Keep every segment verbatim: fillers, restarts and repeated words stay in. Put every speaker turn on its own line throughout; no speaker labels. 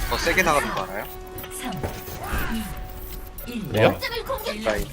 더 세게 나가는 거 알아요?
왜요?
라인.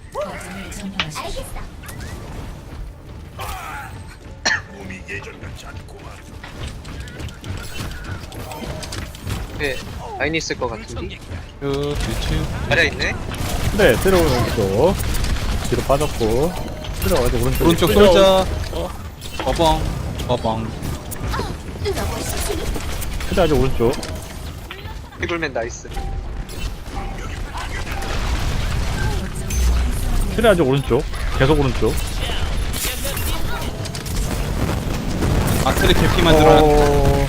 네, 라인 있을 것 같은데?
그 뒤치
자리야 있네?
네, 들어오는 쪽 뒤로 빠졌고 들어가지고 오른쪽
오른쪽 솔자 어벙 어벙
그래 아직 오른쪽
피블맨 나이스.
그래 아직 오른쪽 계속 오른쪽
아크리 개피만 들어야
어...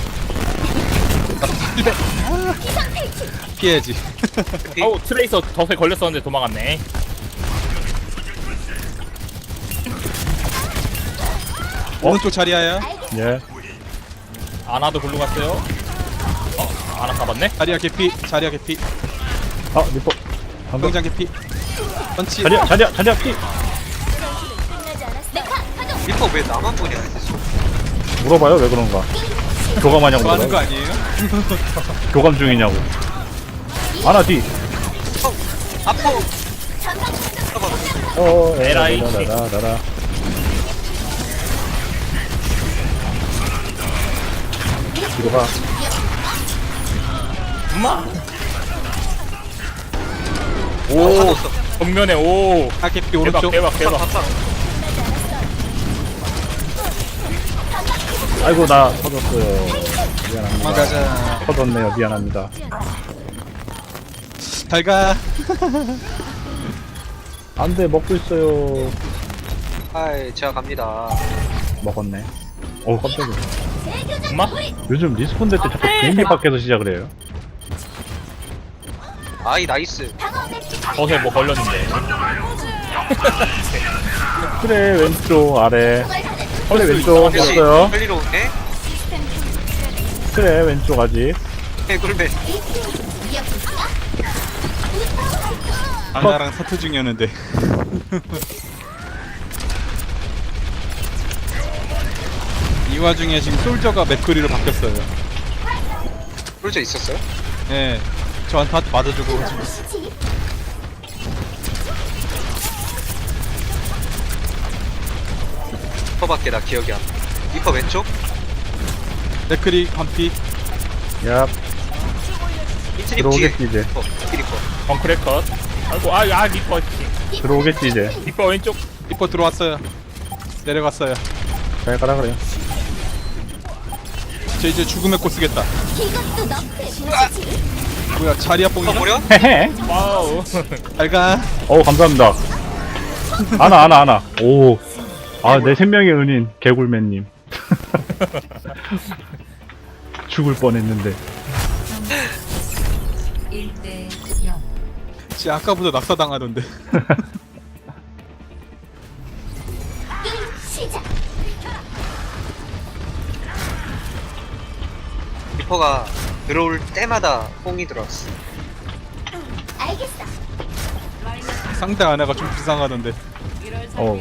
피해야지.
어우 트레이서 덫에 걸렸었는데 도망갔네.
오른쪽 자리야야.
예
아나도 글로 갔어요. 어? 아나 잡았네?
자리야 개피. 자리야 개피.
아 리퍼 방금
병장 개피. 펀치.
자리야 자리야 자리야 피
리퍼 왜 나만 보냐?
물어봐요 왜 그런가 교감하냐고
뭐 하는 거
물어봐요.
아니에요?
교감 중이냐고 아나 뒤
아파!
어,
에라이.
라라라라라. 뒤로 가.
엄마!
오!
정면에 오!
아 개피
대박
오른쪽.
대박 대박.
아파!
아이고, 나 터졌어요. 미안합니다.
가자.
터졌네요. 미안합니다.
잘가.
안 돼, 먹고 있어요.
아이, 제가 갑니다.
먹었네. 어우, 깜짝이야.
엄마?
요즘 리스폰 될 때 자꾸 비행기 밖에서 시작을 해요.
아이, 나이스.
덫에 뭐 걸렸는데.
그래, 왼쪽, 아래. 그래, 왼쪽,
그렇지.
왔어요.
빨리로 오네?
그래, 왼쪽 아직.
해골맨.
아나랑 사투 중이었는데. 이 와중에 지금 솔저가 맥크리로 바뀌었어요.
솔저 있었어요?
예. 저한테 한 맞아주고.
리퍼밖에 나 기억이 안 나. 리퍼 왼쪽?
맥크리 한피.
야,
이트립 뒤에.
들어오겠지, 이제.
리퍼, 이 리퍼.
벙크레 컷. 아이고 아, 아 리퍼
들어오겠지, 이제.
리퍼 왼쪽.
리퍼 들어왔어요. 내려갔어요.
잘 가라, 그래요.
저 이제 죽음의 꽃 쓰겠다. 뭐야 자리야
리퍼
뽕이야?
버려?
헤헤.
와우.
잘가.
어우, 감사합니다. 아나, 아나, 아나. 오. 아, 내 생명의 은인, 개굴맨님. 죽을 뻔했는데.
쟤 아까보다 낙사당하던데.
리퍼가 들어올 때마다 뽕이 들어왔어.
상대 아내가 좀 불쌍하던데.
어우.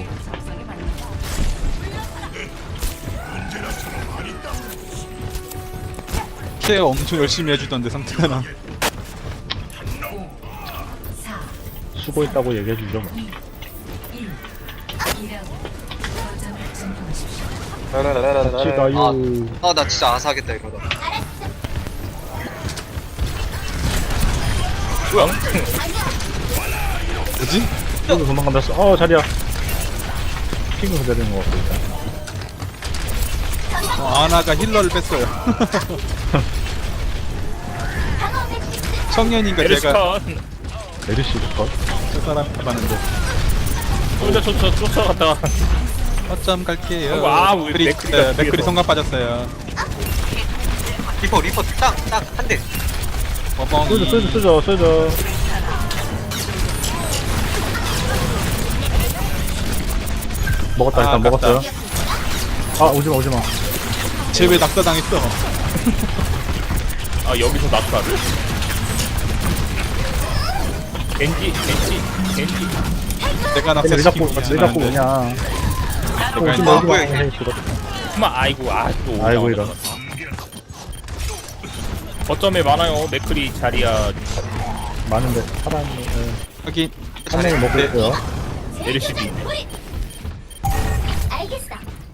케어 엄청 열심히 해주던데 상대 하나.
수고했다고 얘기해주죠. 뭐. 지가요.
아, 아, 나 진짜 아사하겠다, 이러다.
뭐야?
뭐지?
여기 도망간다. 어, 자리야. 핑크 그대로인 것 같고, 일단.
어, 아나가 힐러를 뺐어요. 청년인가 제가
에르스컨.
메르시 컷.
저 사람 봤는데.
혼자 쫓아 쫓아갔다가.
어쩜 갈게요.
아이고, 아, 우리
맥크리,
맥크리가
네, 맥크리
뒤에서.
성감 빠졌어요.
리퍼, 리퍼 딱, 딱, 한 대.
어벙.
쏘죠, 쏘죠, 쏘죠, 쏘죠. 먹었다, 일단
아,
먹었어요. 아, 오지마, 오지마.
쟤왜 낙사당했어?
아 여기서 낙사를. 겐지 겐지 겐지.
내가
왜 자꾸,
낙사시키고
왜 자꾸 그냥.
내가
오지마,
일단
아,
오지마.
뭐야,
헤이, 죽었다.
엄마 아이고 아또
아이고, 이런.
거점에 많아요. 맥크리 자리야.
많은데 사람이 예.
여기
한 명이 먹고 있어요.
메르시비.
알겠어.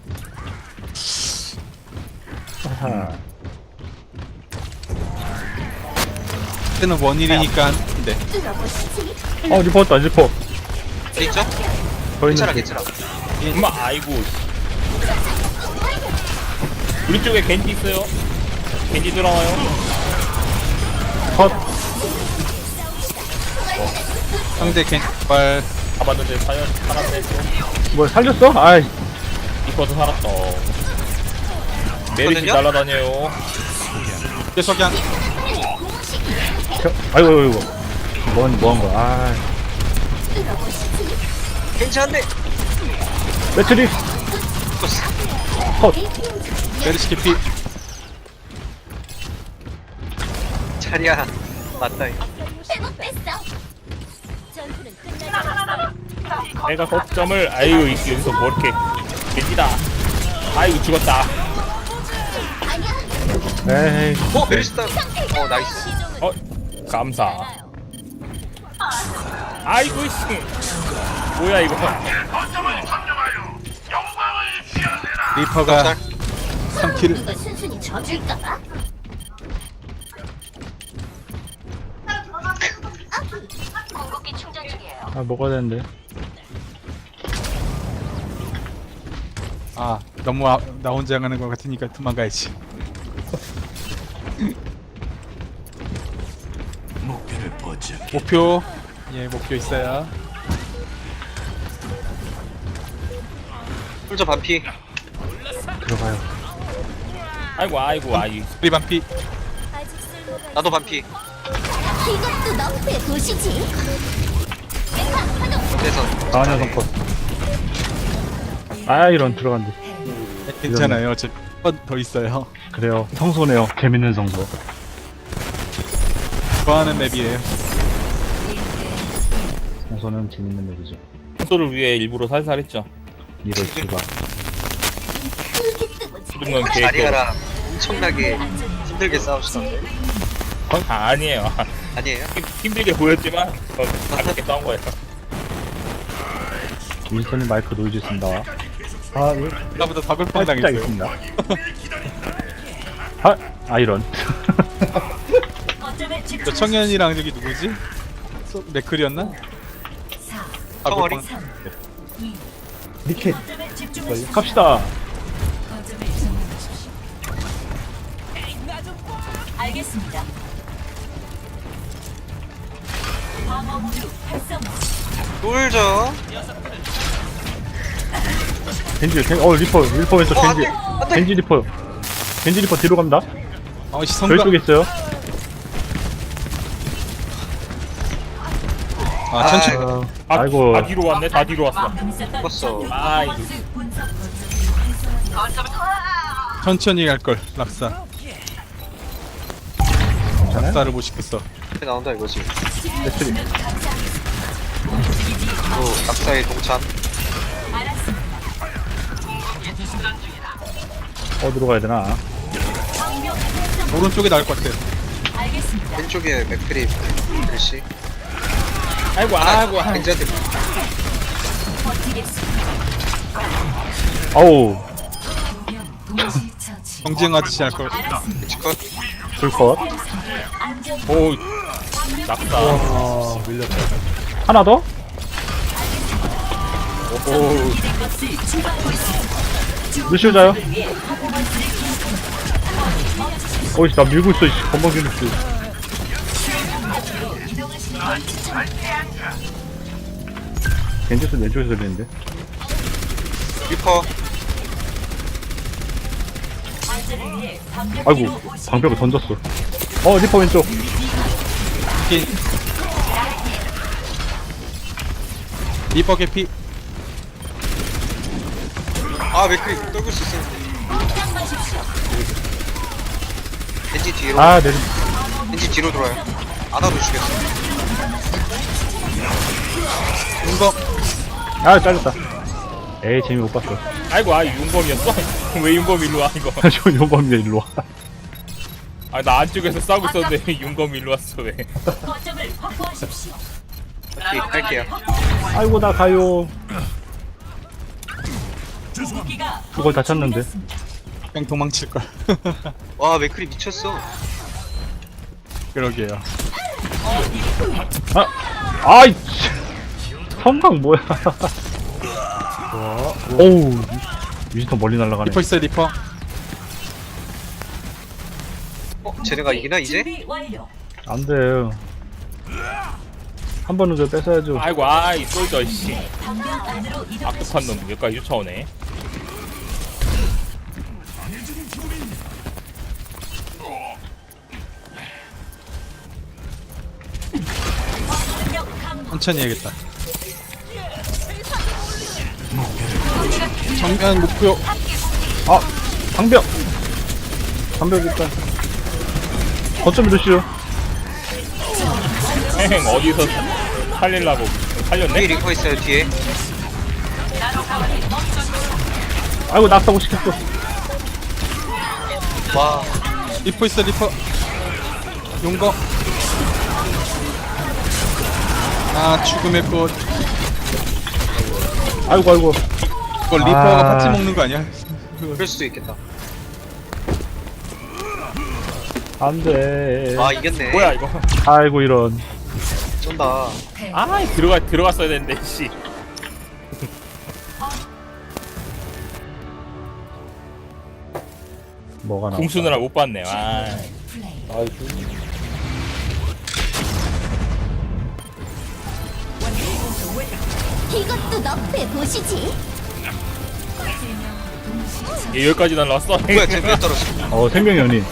하하.
때는 원일이니까 네.
뚫어보시지.
어 리퍼 왔다 리퍼.
돼 있죠?
더
괜찮아
있는
괜찮아.
엄마 아이고. 우리 쪽에 겐지 있어요. 겐지 들어와요.
컷.
상대 겐발
잡았는데 사연 살았네.
뭐 살렸어? 아이
이퍼도 살았다. 메르시
있거든요?
날아다녀요.
계속양
저, 아이고 아이고. 뭔 뭐한 거야? 아
괜찮은데.
매트릭
죽었어.
컷.
메르시 캐피
자리야 맞다. 이거.
회복됐어. 전투는 끝나지 않았어.
내가 거점을 아이고 여기서 뭐 이렇게 겐지다. 아이고 죽었다.
에이
어 메리스타. 어 나이스.
어 감사. 아이고 씨. 뭐야 이거.
리퍼가
잘.
삼 킬을
이거 순순히 져줄까봐. 공격기 충전 중이에요.
아 먹어야 되는데.
아 너무 아, 나 혼자 가는 것 같으니까 도망가야지. 목표 예 목표 있어요.
풀저 반피.
들어가요.
아이고 아이고 아이.
우리 반피
아직 쓸모가
나도 반피.
이것도 너프에 보시지.
그래서
강한 녀석 컷. 아 이런 들어간대.
괜찮아요. 저 한 번 더 있어요.
그래요. 성소네요. 재밌는 성소.
좋아하는 맵이에요.
성소는 재밌는 맵이죠.
소를 위해 일부러 살살 했죠.
이럴 수가.
모든 건 계획대로.
자리야랑 엄청나게 힘들게 싸우시던데.
아, 아니에요.
아니에요?
힘- 힘들게 보였지만 전 가볍게 싸운 거예요.
윈스턴이 마이크 노이즈 쓴다. 아 예.
나보다 다글빵
아, 진짜
당했어요.
알겠습니다. 아, 아 이런.
저 청년이랑 저기 누구지? 소- 맥클이었나?
청어리?
니켓. 갑시다.
알겠습니다.
풀저.
겐지, 겐, 어 리퍼, 리퍼 왼쪽
어, 안
겐지.
돼, 안 돼.
겐지 리퍼. 겐지 리퍼 뒤로 간다.
어
저희
시선가.
쪽에 있어요.
아 천천.
아이고.
아,
아이고.
다 뒤로 왔네. 다 뒤로 왔어.
죽었어.
아 이거.
천천히 갈 걸. 락사.
괜찮아요?
락사를 못 시켰어.
이렇게 나온다 이거지.
매트릭.
또 낙사의 동참.
어디로 가야 되나?
오른쪽에 나올 것 같아요.
왼쪽에 맥크리 글씨.
아이고 아이고 아이고.
겐지한테
아우,
경쟁하듯이 할 걸.
겐지 컷.
불컷.
오 낙사.
하나 더?
오
루시오자요? 어이씨, 나 밀고 있어, 이씨. 건방진 루시. 겐지스 왼쪽에서 들리는데?
리퍼.
아이고, 방벽을 던졌어. 어, 리퍼 왼쪽.
기- 리퍼 개피.
아 맥크리 떨굴 수 있었는데. 겐지 뒤로.
아, 내,
겐지 뒤로 돌아요. 아나도 죽였어.
은거.
아, 잘렸다. 에이, 재미 못 봤어.
아이고 아 윤범이었어? 왜 윤범 일로 와 이거?
저 용범이가 일로 와.
아 나 안쪽에서 싸우고 있었는데 윤검이 일로 왔어 왜?
거점을 확보하십시오.
오케이 갈게요.
아이고 나 가요.
무기가
그걸 다 찾는데.
그냥 도망칠걸.
와 맥크리 미쳤어.
그러게요.
아, 아이, 씨. 성강 뭐야? 오우, 위스턴 멀리 날아가네.
리퍼 있어요 리퍼.
어 쟤네가 이기나 이제?
준비 완료.
안 돼. 한 번은 저 뺏어야죠.
아이고 아이 솔저 씨
방벽 안으로 이동.
악독한 놈 여기까지 쫓아오네.
천천히 해야겠다. 정면 목표.
아, 방벽! 방벽 일단. 거점 이러시오.
행 어디서 살릴라고
뒤에
살렸네?
리퍼 있어요 뒤에.
아이고, 낙사고 시켰어.
와
리퍼 있어 리퍼. 용거. 아 죽음의 꽃.
아이고, 아이고.
그걸 리퍼가
아.
파티 먹는 거 아니야?
그럴 수도 있겠다.
안 돼.
아 이겼네.
뭐야 이거?
아이고, 이런.
쩐다.
아 들어가 들어갔어야 되는데 씨.
뭐가 나와?
궁수느라 못 봤네. 아.
이것도 너프에 보시지.
얘 여기까지 날라왔어.
뭐야 쟤왜 떨어져?
어, 생명의 연인.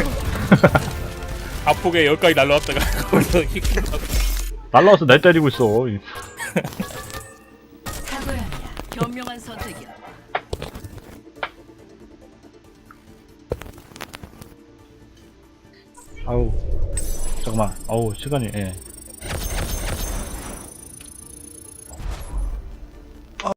아프게 여기까지 날라왔다가 거기서 휙
날라와서 날 때리고 있어.
탁월합니다. 현명한 선택이야.
아우. 잠깐만. 아우, 시간이, 예.